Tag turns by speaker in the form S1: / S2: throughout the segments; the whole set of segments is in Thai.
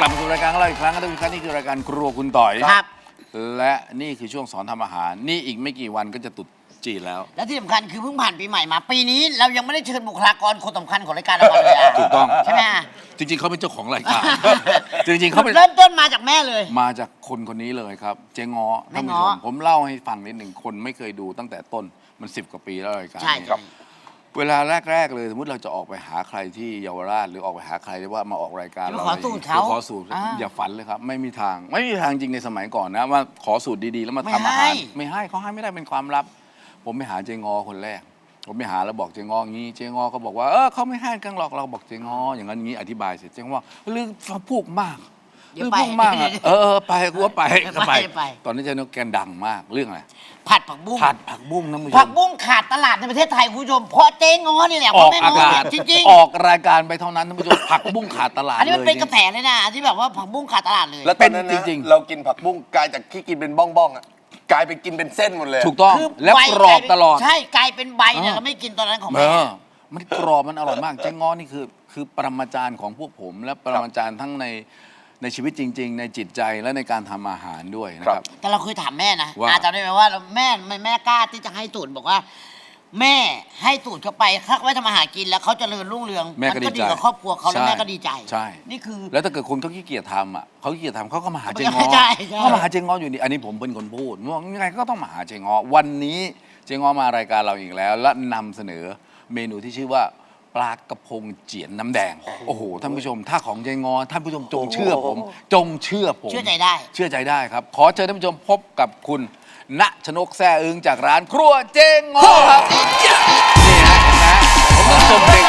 S1: ลับมาสู่รายการของเราอีกครั้งนะทุกท่านนี่คือรายการครัวคุณต่อย
S2: ครับ
S1: และนี่คือช่วงสอนทำอาหารนี่อีกไม่กี่วันก็จะตรุษจีนแล้ว
S2: และที่สำคัญคือเพิ่งผ่านปีใหม่มา ปีนี้เรายังไม่ได้เชิญบุคลากรคนสำคัญของรายการเรามาเลยอะ
S1: ถูกต้อง
S2: ใช่ไหมอะ
S1: จริงๆเขาเป็นเจ้าของรายการ จริงๆเขาเป็น
S2: เริ่มต้นมาจากแม่เลย
S1: มาจากคนนี้เลยครับ เจ๊ง้อ
S2: แม่
S1: ท่าน
S2: ง้
S1: ผู้
S2: อ
S1: ชมผมเล่าให้ฟังนิดหนึ่งคนไม่เคยดูตั้งแต่ต้นมัน10 กว่าปีแล้วรายการ
S2: ใช่
S1: นี้
S2: ครับ
S1: เวลาแรก ๆ เลยสมมติเราจะออกไปหาใครที่เยาวราชหรือออกไปหาใครที่ว่ามาออกรายการ
S2: จะขอสูตรเขา
S1: ขอสูตรอย่าฝันเลยครับ ไม่มีทางจริงในสมัยก่อนนะว่าขอสูตรดีๆแล้วมาทำอาหารไม่ให้เขาให้ไม่ได้เป็นความลับ ผมไปหาเจงอคนแรก ผมไปหาแล้วบอกเจงองี้เจงอเขาบอกว่าเขาไม่ให้กันหรอกเราบอกเจงออย่างนั้นอย่างนี้อธิบายเสร็จเจงอว่าเรื่องพูดมาก
S2: เดี๋ยวไป
S1: พูดมากอะไปกูว่าไปก็ไป
S2: ไป
S1: ตอนนี้เจงอแกดังมากเรื่องอะไร
S2: ผัดผักบุ้ง
S1: ผัดผักบุ้งนะมึง
S2: ผักบุ้งขาดตลาดในประเทศไทยคุณผู้ชมเพราะเจ๊ง้อนี่แหละ
S1: อ
S2: เพ
S1: อ
S2: ราะ
S1: ก
S2: แม่
S1: อา
S2: ง้อก
S1: าศ
S2: จริง
S1: ออกรายการไปเท่านั้นท่านผู้ชมผักบุ้งขาดตลาด
S2: ๆอันนี้มันเป็น
S1: ลย
S2: กระแสเลยนะที่แบบว่าผักบุ้งขาดตลาดเลย
S3: แล้วตอนนั้น
S1: เป็น
S3: นะ
S1: จริงๆ
S3: เรากินผักบุ้งกลายจากที่กินเป็นบ้องๆอ่ะกลายไปกินเป็นเส้นหมดเลย
S1: ถูกต้อง
S2: คือ
S1: และ
S2: ใบ
S1: กรอบตลอด
S2: ใช่กลายเป็นใบเนี่ย
S1: เออ
S2: เราไม่กินตอนนั้นของ
S1: เอ
S2: แม่
S1: อมันกรอบมันอร่อยมากเจ๊ง้อนี่คือปรมาจารย์ของพวกผม และปรมาจารย์ทั้งในชีวิตจริง ๆ ในจิตใจและในการทำอาหารด้วยนะครับ
S2: แต่เราเคยถามแม่นะ
S1: ว่า
S2: จำได้ไหมว่าแม่กล้าที่จะให้สูตรบอกว่า แม่ให้สูตรเขาไปถ้าไว้ทำอาหารกินแล้วเขาเจริญรุ่งเรือง
S1: แม่ก็
S2: ก็
S1: ดี
S2: ดี
S1: ใจ
S2: กับครอบครัวเขาแล้ว
S1: ใช่
S2: แม่ก็ดีใจ
S1: ใช่
S2: นี่คือ
S1: แล้วถ้าเกิดคนเขาขี้เกียจทำเขาขี้เกียจทำเขาก็มาหาเจงอ
S2: ใช่ใช่
S1: เขามาหาเจงออยู่นี่อันนี้ผมเป็นคนพูดว่ายังไงก็ต้องมาหาเจงอวันนี้เจงอมารายการเราอีกแล้ว และนำเสนอเมนูที่ชื่อว่าปลากระพงเจียนน้ำแดงโอ้โหท่านผู้ชมถ้าของเจงอท่านผู้ชมจงเชื่อผมจงเชื่อผม
S2: เชื่อใจได้
S1: เชื่อใจได้ครับ ขอเชิญท่านผู้ชมพบกับคุณณชนกแซ่อึงจากร้านครัวเจงอครับนี่ฮะเห็นไหมผมต้องชมเด็ก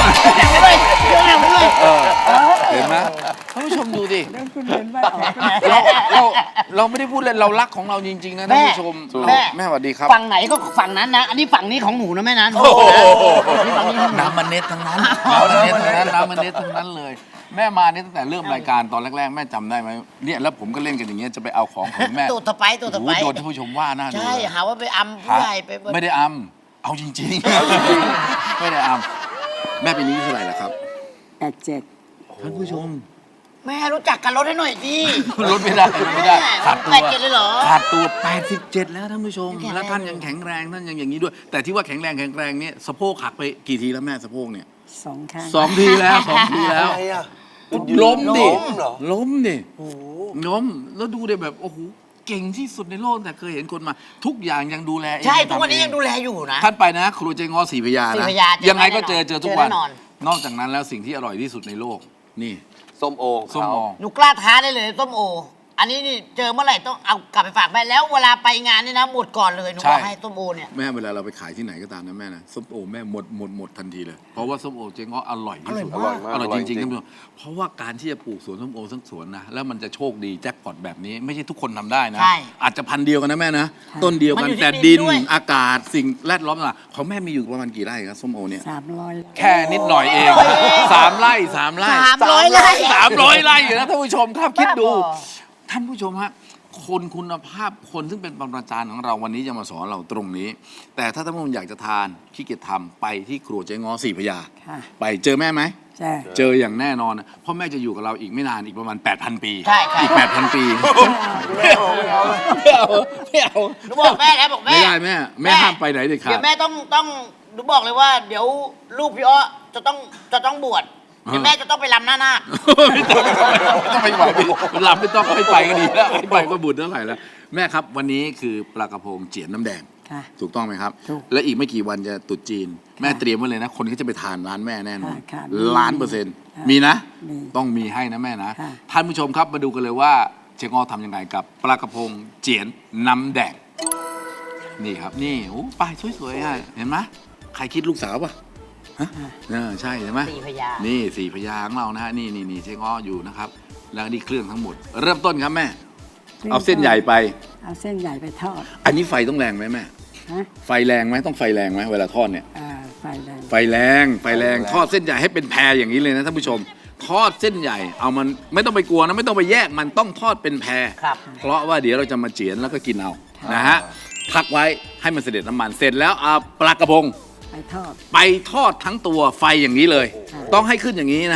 S1: เห็นไหมท่านผู้ชมดูดิเราไม่ได้พูดเล่นเรารักของเราจริง ๆ นะท่านผู้ชม แม่สวัสดีครับ
S2: ฝั่งไหนก็ฝั่งนั้นนะ อันนี้ฝั่งนี้ของหนูนะแม่นะ
S1: โอ้โห
S2: นี่ฝั่งนี้ของหนู
S1: น้ำมันเน็ตทั้งนั้นน้ำมันเน็ตทั้งนั้นน้ำมันเน็ตทั้งนั้นเลย แม่มาเนี่ยตั้งแต่เริ่มรายการตอนแรกๆแม่จำได้ไหมเนี่ยแล้วผมก็เล่นกันอย่างเงี้ยจะไปเอาของของแม่
S2: ตูดตะไปตูดตะ
S1: โอ้
S2: ไป
S1: โหโดนท่านผู้ชมว่าหน้าดู
S2: ใช่
S1: เลย
S2: หาว่าไปอำผู้ใหญ่ไป
S1: ไม่ได้อำเอาจริงๆไม่ได้อำแม่ปีนี้อายุเท่าไหร่แล้วครับ
S4: 87
S1: ท่านผู้ชม
S2: แม่รู้จักกันลดให้หน่อยดิ
S1: ลดไม่ได้ลดไม่ได้ขาดตัว
S2: 87เลยเหรอ
S1: ขาดตัว 87 แล้วท่านผู้ชม
S2: ยังแข็งแรง
S1: แล้วท่านยังแข็งแรงท่านยังอย่างนี้ด้วย แต่ที่ว่าแข็งแรงเนี่ยสะโพกหักไปกี่ทีแล้วแม่สะโพกเนี่ย
S4: 2 ครั้ง
S1: 2 ทีแล้ว2 ทีแล้ว
S3: ทำไมอ่ะ
S1: ล้มดิ
S3: ล้มเหรอ
S1: ล้มดิล้มแล้วดูเดี๋ยแบบโอ้โหเก่งที่สุดในโลกแต่เคยเห็นคนมา ทุกอย่างยังดูแลเอง
S2: ใช่ทุกวันนี้
S1: ทำเอ
S2: ยังดูแลอยู่นะ
S1: ท่านไปนะครูเจงอศรีพระยา
S2: ศรี
S1: นะ
S2: พระยาเจอ
S1: ยังไงก็
S2: แน่นอน
S1: เจอทุกวัน
S2: เจอแน่นอน
S1: นอกจากนั้นแล้วสิ่งที่อร่อยที่สุดในโลกนี่
S3: ส้มโอ
S1: ส้มโอ
S2: หนูกล้าท้าได้เลยต้มโอ อันนี้นี่เจอเมื่อไหร่ต้องเอากลับไปฝากแม่แล้วเวลาไปงานนี่นะหมดก่อนเลยหนูบอกให้ต้มโอเนี่ย
S1: แม่เวลาเราไปขายที่ไหนก็ตามนะแม่นะส้มโอแม่หมดทันทีเลย เพราะว่าส้มโอเจ๊ง้ออร่อยที่สุด
S3: อร่อยมาก
S1: อร่อยจริงๆ
S3: อร่อยจริง
S1: ท่านผู้ชมเพราะว่าการที่จะปลูกสวนส้มโอทั้งสวนนะแล้วมันจะโชคดีแจ็คพอตแบบนี้ไม่ใช่ทุกคนทำได้นะ
S2: ใช่
S1: อาจจะพันธุ์เดียวกันนะแม่นะต้นเดียวกัน
S2: มันอยู่ที่
S1: แต่
S2: ดิ
S1: ดิ
S2: น
S1: น
S2: ด้วย
S1: อากาศสิ่งแวดล้อมต่างๆของแม่มีอยู่ประมาณกี่ไร่ครับส้มโอเนี่ย
S4: 300
S1: แค่นิดหน่อยเอง3 ไร่ 3 ไร่
S2: 300ไร่
S1: 300 ไร่อยู่นะท่านผู้ชมครับคิดดู
S2: บ้าบอ
S1: ท่านผู้ชมฮะคนคุณภาพคนซึ่งเป็นปรมาจารย์ของเราวันนี้จะมาสอนเราตรงนี้ แต่ถ้าท่านผู้ชมอยากจะทานขี้เกียจทำไปที่ครัวเจ๊ง้อศรีพระยา
S4: ค่ะ
S1: ไปเจอแม่ไหม
S4: ใช่
S1: เจออย่างแน่นอนนะเพราะแม่จะอยู่กับเราอีกไม่นานอีกประมาณ 8,000 ปี
S2: ใช่ใช่
S1: อีก 8,000 ปีไม่เอาไม่เอา
S2: หนูบอกแม่แล้วบอกแม่
S1: ไม่ได้แม่ห้ามไปไหนเด็ดขา
S2: เดี๋
S1: ด
S2: ยวแม่ต้องหนูบอกเลยว่า เดี๋ยวลูกพี่อ้อจะต้องบวชเดี๋ยวแม่จะต้องไปรำหน้านาค
S1: ไม่ต้องไปไหวหลับไม่ต้องให้ไปก็ดีแล้วให้ไปก็บุญเท่าไหร่แล้วแม่ครับวันนี้คือปลากระพงเจียนน้ำแดง
S4: ค่ะ
S1: ถูกต้องไหมครับ
S4: ถูก
S1: และอีกไม่กี่วันจะตรุษจีน แม่
S4: ค่ะ
S1: เตรียมไว้เลยนะ คนที่จะไปทานร้านแม่แน่นอน
S4: ค่ะ
S1: 1,000,000%
S4: ค่ะ
S1: มีนะ
S4: มี
S1: ต้องมีให้นะแม่นะ
S4: ค่ะ
S1: ท่านผู้ชมครับมาดูกันเลยว่าเชงอทำยังไงกับปลากระพงเจียนน้ำแดงนี่ครับนี่โอ้ป้ายสวยๆอ่ะเห็นไหมใครคิดลูกสาวป่ะฮะใช่เห็นไหม
S2: สี่พญา
S1: นี่สี่พญาของเรานะฮะนี่เชงออยู่นะครับแล้วนี่เครื่องทั้งหมด เริ่มต้นครับแม่ เอาเส้นใหญ่ไป
S4: เอาเส้นใหญ่ไปทอด
S1: อันนี้ไฟต้องแรงไหมแม่
S4: ฮะ
S1: ไฟแรงไหมต้องไฟแรงไหมเวลาทอดเนี่ย
S4: ไฟแรง
S1: ไฟแรงทอดเส้นใหญ่ให้เป็นแพรอย่างนี้เลยนะท่านผู้ชม ทอดเส้นใหญ่เอามันไม่ต้องไปกลัวนะไม่ต้องไปแยกมันต้องทอดเป็นแพร
S2: ครับ
S1: เพราะว่าเดี๋ยวเราจะมาเจียนแล้วก็กินเอานะฮะพักไว้ให้มันเสด็จน้ำมันเสร็จแล้วเอาปลากระพง
S4: ไปทอด
S1: ไปทอดทั้งตัวไฟอย่างนี้เลย
S4: ค่ะ
S1: ต้องให้ขึ้นอย่างนี้นะฮะ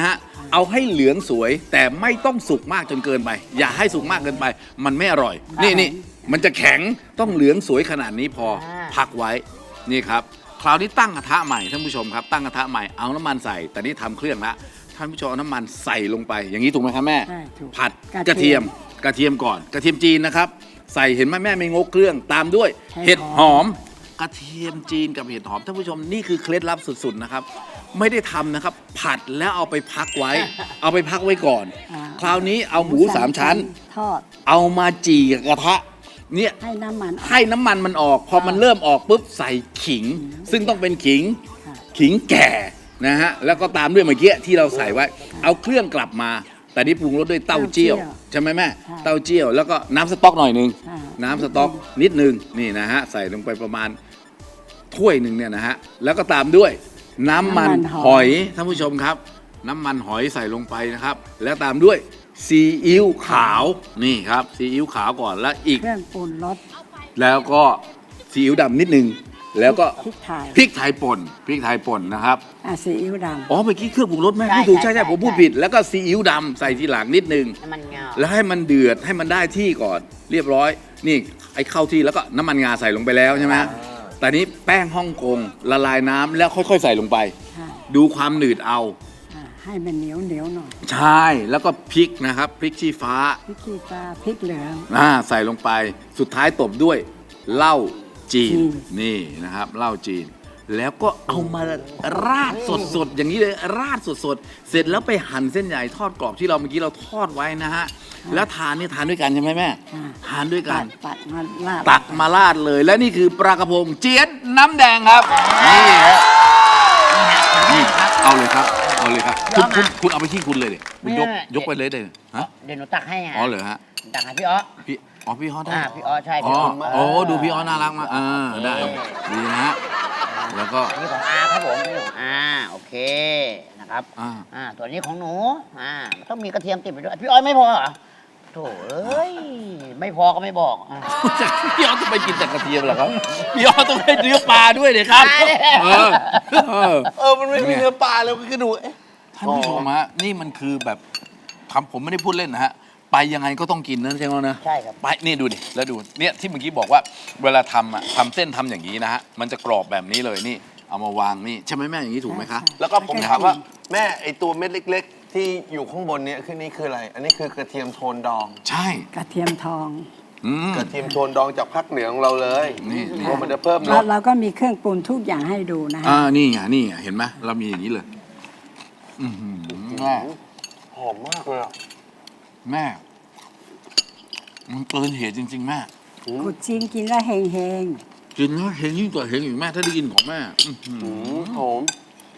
S1: เอาให้เหลืองสวย แต่ไม่ต้องสุกมากจนเกินไป อย่าให้สุกมากเกินไป มันไม่อร่อย นี่มันจะแข็งต้องเหลืองสวยขนาดนี้พอพักไว้นี่ครับคราวนี้ตั้งกระทะใหม่ท่านผู้ชมครับตั้งกระทะใหม่เอาน้ำมันใส่แต่นี่ทำเครื่องละท่านผู้ชมเอาน้ำมันใส่ลงไปอย่างนี้ถูกไหมครับแม่
S4: ใช่ถูก
S1: ผัดกระเทียมก่อนกระเทียมจีนนะครับใส่เห็นไหมแม่ไม่งกเครื่องตามด้วยเห็ดหอมกระเทียมจีนกับเห็ดหอมท่านผู้ชมนี่คือเคล็ดลับสุดๆนะครับไม่ได้ทำนะครับผัดแล้วเอาไปพักไว้ เอาไปพักไว้ก่อน คราวนี้เอาหมูสามชั้น
S4: ทอด
S1: เอามาจี่กับกระทะเนี่ย
S4: ให้น้ำมันออก
S1: ให้น้ำมันมันออก พอมันเริ่มออกปุ๊บใส่ขิง ซึ่งต้องเป็นขิง
S4: ค่ะ
S1: ขิงแก่นะฮะแล้วก็ตามด้วยเมื่อกี้ที่เราใส่ไว้ เอาเครื่องกลับมา แต่นี่ปรุงรสด้วยเต้าเจี้ยวใช่ไหมแม่เต้าเจี้ยวแล้วก็น้ำสต๊อกหน่อยนึง
S4: ค่ะ
S1: น้ำสต๊อกนิดนึงนี่นะฮะใส่ลงไปประมาณถ้วยหนึ่งเนี่ยนะฮะแล้วก็ตามด้วยน้ำมันหอยท่านผู้ชมครับ น้ำมันหอยใส่ลงไปนะครับ แล้วตามด้วยซีอิ๊วขาวนี่ครับซีอิ๊วขาวก่อนแล้วอีก
S4: เครื่องปรุงรส
S1: แล้วก็ซีอิ๊วดำนิดนึงแล้วก็
S4: พริกไทย
S1: พริกไทยป่นนะครับ
S4: ซีอิ๊วด
S1: อ๋อเมื่อกี้เครื่องปรุงรสแม่
S2: ใช่
S1: พูดถูก
S2: ใช่
S1: ใช่
S2: ใช่
S1: ผมพูดผิด แล้วก็ซีอิ๊วดำใส่ทีหลังนิดนึง
S2: น้ำมันงา
S1: แล้วให้มันเดือดให้มันได้ที่ก่อนเรียบร้อย นี่ไอ้เข้าที่แล้วก็น้ำมันงาใส่ลงไปแล้วใช่ไหมแต่นี้แป้งฮ่องกงละลายน้ำแล้วค่อยๆใส่ลงไป
S4: ำค่ะ
S1: ดูความหนืดเอา
S4: ให้มันเหนียวหน่อย
S1: ใช่แล้วก็พริกนะครับพริกชี้ฟ้า
S4: พริกขี้ฟ้าพริกเหลือง
S1: ใส่ลงไปสุดท้ายตบด้วยเหล้าจีน
S4: จีน
S1: นี่นะครับเหล้าจีน แล้วก็เอามาราดสดๆอย่างนี้เลยราดสดๆเสร็จแล้วไปหั่นเส้นใหญ่ทอดกรอบที่เราเมื่อกี้เราทอดไว้นะฮะแล้วทานนี่ทานด้วยกันใช่ไหมแม่
S4: ค่ะ
S1: ทานด้วยกัน
S4: ตัดมาลาด
S1: ตักมาราดเลย และนี่คือปลากระพงเจี๊ยดน้ำแดงครับนี่ฮะนี่เอาเลยครับเอาเลยครับคุณเอาไปที่คุณเลยดิคุณยกไปเลยเลยฮะ
S2: เดี๋ยวหนูตักให้ไง
S1: อ๋อเหรอฮะ
S2: ตักให้พี่อ้อ
S1: พี่ฮอตได้
S2: พี่อ้อใช่
S1: อ๋
S2: พี่
S1: อ
S2: อ้อ
S1: โอ้ดูพี่ฮอตน่ารักมากได้ดีนะฮะแล้วก็
S2: อันนี้ของอาครับผมนี่ของอาโอเคนะครับ
S1: อ่า
S2: ตัวนี้ของหนูมันต้องมีกระเทียมติดไปด้วยพี่อ้อยไม่พอเหรอโถ่เอ้ยไม่พอก็ไม่บอก
S1: พี่ฮอตจะไปกินแต่กระเทียมเหรอครับพี่ฮอตต้องให้เนื้อปลาด้วยเลยครับ
S3: มันไม่มีเนื้อปลาเลยก็คือดูเอ๊ะ
S1: ท่านผู้ชมฮะนี่มันคือแบบผมไม่ได้พูดเล่นนะฮะไปยังไงก็ต้องกินนะใช่ไหมนะ
S2: ใช่ครับ
S1: ไปนี่ดูดิแล้วดูเนี่ยที่เมื่อกี้บอกว่าเวลาทำทำเส้นทำอย่างนี้นะฮะมันจะกรอบแบบนี้เลยนี่เอามาวางนี่ใช่ไหมแม่อย่างนี้ถูกไหมคะ
S3: แล้วก็ผมถามว่าแม่ไอตัวเม็ดเล็ก ๆ ที่อยู่ข้างบนเนี้คือนี่คืออะไร อันนี้คือกระเทียมโทนดอง
S1: ใช่
S4: กระเทียมทอง
S3: กระเทียมโทนดองจากภาคเหนือของเราเลย
S1: นี่
S3: เพราะมันจะเพิ่มร
S4: แล้ว
S3: ส
S4: เราก็มีเครื่องปรุงทุกอย่างให้ดูนะฮะ
S1: นี่ไงเห็นไหมเรามีอย่างนี้เลยแม่
S3: หอมมากเลยอ่ะ
S1: แม่มันเกินเหตุจริง ๆ แม่
S4: กุดจีนกินแล้วเฮง
S1: กินแล้วเห็นยิ่งกว่าเห็นอีกแม่ถ้าได้กินของแม่
S3: หอม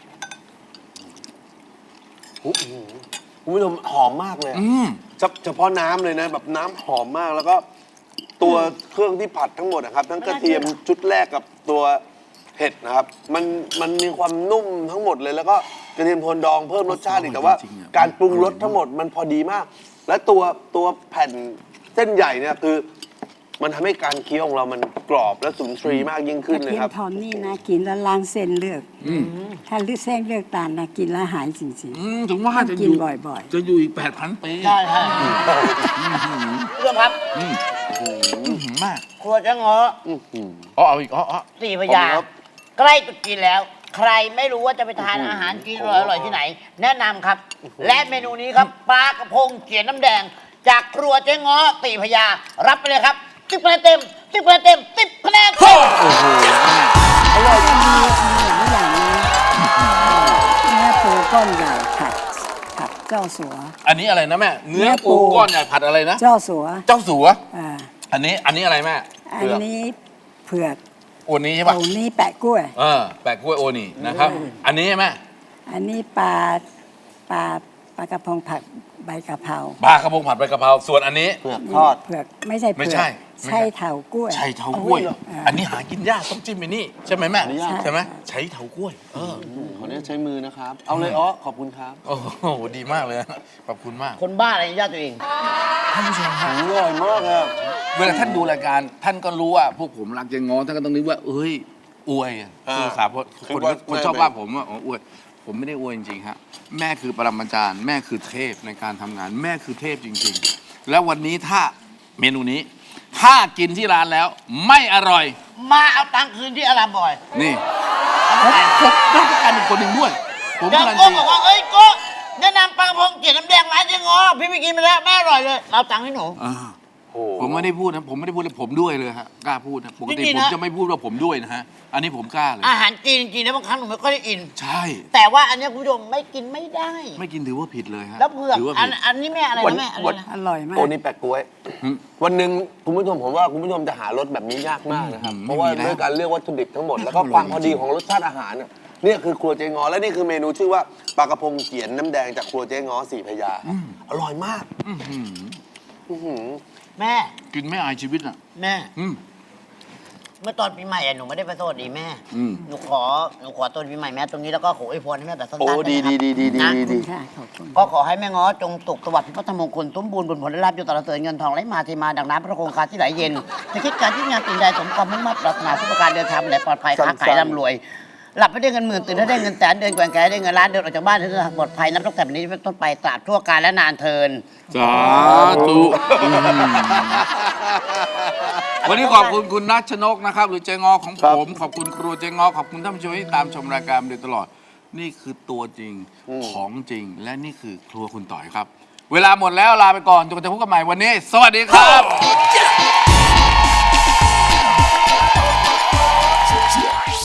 S3: คุณผู้ชมหอมมากเลยอะเฉพาะน้ำเลยนะ แบบน้ำหอมมากแล้วก็ตัวเครื่องที่ผัดทั้งหมดนะครับ ทั้งกระเทียมชุดแรกกับตัวเห็ดนะครับ มันมีความนุ่มทั้งหมดเลย แล้วก็กระเทียมโทนดองเพิ่มรสชาติอีกแต่ว่า การปรุงรสทั้งหมดมันพอดีมาก และตัวแผ่นเส้นใหญ่เนี่ยคือ มันทำให้การเคี้ยวของเรามันกรอบและสุนทรีมากยิ่ง
S4: ๆก
S3: ขึ้น
S4: ระ
S3: เล
S4: เที
S3: ย
S4: ย
S3: ค
S4: ม
S3: รับ
S4: ทองนี่นะกินแล้วล้างเส้นเลือดถ้าเลือดเส้นเลือดตาลนะกินแล้วหายจริง
S1: ถึงว่า
S4: ต้อง
S1: จะ
S4: กิ
S1: อน ยู่
S4: บ่อยๆ
S1: จะอยู่อีก 8,000 ปี
S2: ใช่ใช่เรื่องครับ
S1: มาก
S2: ครัวจะงอ
S1: เอาอีกอ๋อ
S2: สี่พยางค์ใกล้ตรุษจีนแล้ว ใครไม่รู้ว่าจะไปทานอาหารจีนอร่อยๆที่ไหน แนะนำครับ และเมนูนี้ครับปลากระพงเจียวน้ำแดง จากครัวเจ๊ง้อตีพยารับไปเลยครับ10 คะแนนเต็ม10 คะแนนเต็ม10 คะแนนเต็ม
S4: มีหลายอย่างนะเนื้อปูก้อนใหญ่ผัดเจ้าสัว
S1: อันนี้อะไรนะแม่ เนื้อปูก้อนใหญ่ผัดอะไรนะ
S4: เจ้าสัว
S1: เจ้าสัว
S4: อ่า
S1: อันนี้อะไรแม่
S4: อันนี้เผือก
S1: โอนี้ใช่ปะ
S4: โอ้นี่แปะกล้วย
S1: แปะกล้วยโอนี่นะครับ อันนี้ใช่ไหม
S4: อันนี้ปลากระพงผัดใบกะเพรา
S1: ปลากระพงผัดใบกะเพราส่วนอันนี้
S3: เผือกทอด
S4: เผือกไม่ใช่เผื
S1: ไม่
S4: อก
S1: ใช่
S4: ใช่เถากล้วย
S1: ใช้เถากล้วย อันนี้หากินยากต้องจิ้มไปนี่ใช่ไหมแม่
S4: ใช่
S1: ใช่ไหมใช้เถากล้วย
S3: ขออนุญาตใช้มือนะครับ เอาเลยอ๋อขอบคุณครับ
S1: โอ้โหดีมากเลยขอบคุณมาก
S2: คนบ้าอะไรญาติตัวเอง
S1: ท่านผู้ชมครับ
S3: อร่อยมากครับ
S1: เวลาท่านดูรายการท่านก็รู้ว่าพวกผมรักเจงง้อท่านก็ต้องนึกว่าเอ้ยอวยคือสาคนชอบว่าผมว่าอวยผมไม่ได้อวยจริงๆฮะแม่คือปรมาจารย์แม่คือเทพในการทำงาน แม่คือเทพจริงๆ แล้ววันนี้ถ้าเมนูนี้ ถ้ากินที่ร้านแล้วไม่อร่อย
S2: มาเอาตังค์คืนที่อารามบอย
S1: นี่ผมรับประกันอีกคนหนึ่งด้วย ผม
S2: เดี๋ยว
S1: การัน
S2: โก้
S1: ตี
S2: บอกว่าเอ้ยโก้แนะนำปลากระพงเกล็ดน้ำแดงร้านเจ๊งอพี่ไปกินไปแล้วแม่อร่อยเลยเอาตังค์ให้หนู
S1: อ่า
S3: โอ้โห
S1: ผมไม่ได้พูดนะผมไม่ได้พูดเลยผมด้วยเลยฮะกล้าพูดนะปกติ
S2: จริงๆ
S1: ผม
S2: นะ
S1: จะไม่พูดว่าผมด้วยนะฮะอันนี้ผมกล้าเลย
S2: อาหารจีนจริงๆนะบางครั้งหนูไม่ค่อยได้อิน
S1: ใช่
S2: แต่ว่าอันเนี้ยคุณผู้ชมไม่กินไม่ได้
S1: ไม่กินถือว่าผิดเลยฮะ
S2: แล้วเผือก
S1: ถือว่า
S2: อั
S1: ผิ
S2: น
S1: ด
S2: อันนี้แม่อะไรนะแม่อะไรนะ
S4: อร่อยมาก
S3: โอ้นี่แปะกล้วย
S1: อืม
S3: วันหนึ่งคุณผู้ชมผมว่าคุณผู้ชมจะหารสแบบนี้ยากมากนะครับ
S1: อืม
S3: เพราะว่า
S1: ไม่มีแล้ว
S3: ด้วยการเลือกวัตถุดิบทั้งหมดแล้วก็ความพอดีของรสชาติอาหารเนี่ยคือครัวเจ๊งอและนี่คือเมนูชื่อว่าปลากระพงเกี๊ยนน้ำแดงจากครัวเจ๊งอสี่พระยาครับอร่อยมาก
S1: อื้อหือ
S3: อื้อหือ
S2: แม่
S1: กินไม่อายชีวิตอ่ะ
S2: แม่
S1: อืม
S2: เมื่อตอนปีใหม่อะหนูไม่ได้ไปสวัสดีแม่
S1: อืม
S2: หนูขอตอนปีใหม่แม่ตรงนี้แล้วก็ขออวยพรให้แม่แบบสั้นๆ
S3: โอ้ดี
S2: ได้ไหม
S3: ดี
S2: ครับ
S3: ดีดี
S2: นะ
S3: ดี
S4: ค่ะขอบคุณ
S2: ก็ขอให้แม่ง้อจงสุขสวัสดิ์พิพัฒนมงคลสมบูรณ์บุญผลได้รับอยู่ตลอดเสริญเงินทองไหลมาเทมาดังน้ำพระโคงคาที่ไหลเย็นจะคิดการที่งานสิ่งใดสมความมุ่งมั่นปรารถนาทุกประการเดินทางไปไหนปลอดภัยค้าขายร่ำรวย หลับไม่ได้เงินหมื่นตื่นให้ได้เงินแสนเดินแกว่งแกได้เงินล้านเดินออกจากบ้านให้ปลอดภัยนับตั้งแต่วันนี้เป็นต้นไปตราบทั่วกาลและนานเทิน
S1: สาธุวันนี้ขอบคุณคุณนัชนกนะครับ หรือเจงอของผม ขอบคุณครัวเจงอขอบคุณท่านผู้ชมที่ตามชมรายการมาโดยตลอด นี่คือตัวจริงของจริง และนี่คือครัวคุณต่อยครับ เวลาหมดแล้วลาไปก่อนจนกว่าจะพบกันใหม่วันนี้ สวัสดีครับ